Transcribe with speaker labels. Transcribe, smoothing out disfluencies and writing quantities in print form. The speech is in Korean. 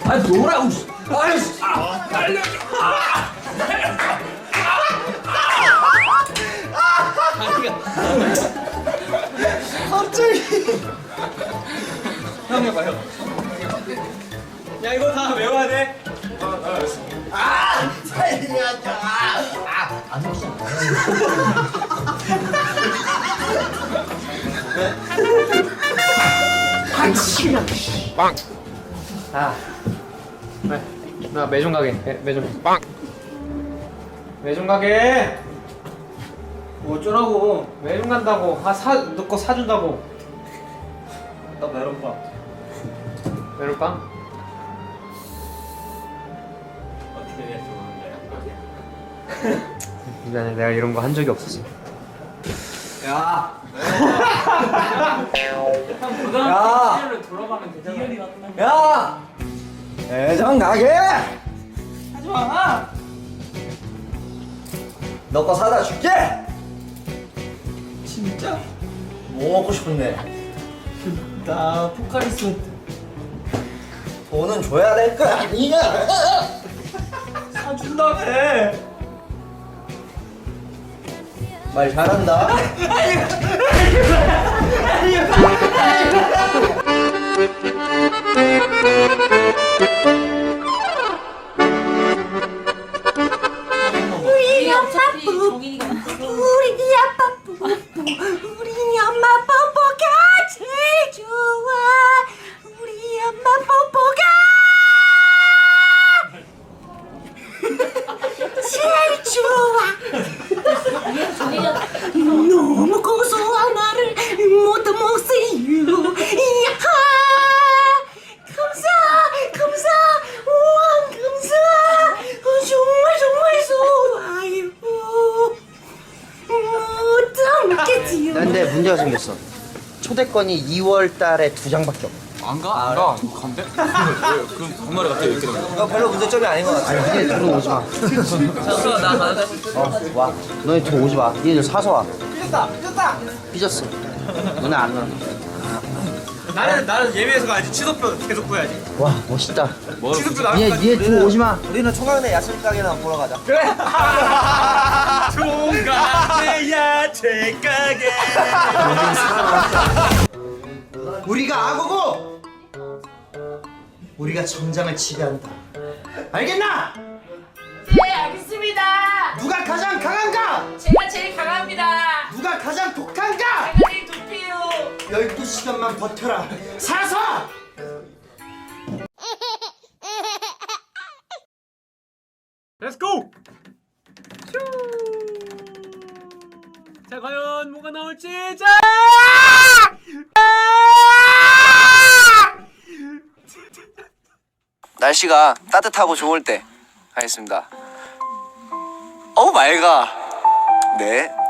Speaker 1: 아 뭐라고? 아이씨. 알려줘.
Speaker 2: 갑자기.
Speaker 1: 형 해봐 형. 야 이거 다 외워야 돼.
Speaker 2: 살려줘. 안 웃어.
Speaker 1: 빵. 아. 네. 나 매점 가게. 매점. 빵. 매점 가게.
Speaker 2: 뭐 어쩌라고?
Speaker 1: 매점 간다고. 너 거 사준다고.
Speaker 2: 나 메론빵.
Speaker 1: 메론빵?
Speaker 2: 어떻게 해야 좋은데?
Speaker 1: 미안해, 내가 이런 거 한 적이 없었어.
Speaker 2: 야.
Speaker 3: 형 고등학교
Speaker 2: 야.
Speaker 3: 시절로 돌아가면 되잖아.
Speaker 2: 야. 매점 가게. 하지 마. 너 거 사다 줄게. 진짜? 뭐 먹고 싶은데?
Speaker 3: 나 포카리스
Speaker 2: 돈은 줘야 될 거 아니야.
Speaker 3: 사준다며.
Speaker 2: 말 잘한다.
Speaker 4: 우리 엄마 뽀뽀 우리 아빠 뽀뽀 우리 엄마 뽀뽀가 제일 좋아 우리 엄마 뽀뽀가 제일 좋아 너무 고소한 나를 못 먹세요 이하 감사 우와 감사 정말 좋아요 못 먹겠지요
Speaker 2: 근데 문제가 생겼어. 초대권이 2월 달에 2장밖에 없어.
Speaker 5: 안 가? 안 가? 간대? 왜? 그럼 전날에 갑자기 이렇게 되는 거야?
Speaker 2: 이거 별로 문제점이 아닌 것 같아. 아니, 니네 둘은 오지 마.
Speaker 3: 졌어 나 가자.
Speaker 2: 와. 너네 둘 오지 마. 니네들 사서 와. 삐졌다. 삐졌어. 너네 안 와.
Speaker 1: 나는 예매해서 가야지. 취소표 계속 구해야지.
Speaker 2: 와, 멋있다.
Speaker 1: 취소표 나올
Speaker 2: 니네 둘 오지 마. 우리는 총각내 야채 가게나 보러 가자. 그래.
Speaker 1: 총각내 야채 가게.
Speaker 2: 우리가 악어고 우리가 정장을 지배한다. 알겠나?
Speaker 4: 네 알겠습니다
Speaker 2: 누가 가장 강한가?
Speaker 4: 제가 제일 강합니다
Speaker 2: 누가 가장 독한가?
Speaker 4: 제가 제일 좋대요
Speaker 2: 12시간만 버텨라. 사서!
Speaker 1: Let's go. 자 과연 뭐가 나올지. 자.
Speaker 6: 날씨가 따뜻하고 좋을 때 하겠습니다. 어우 맑아. 네.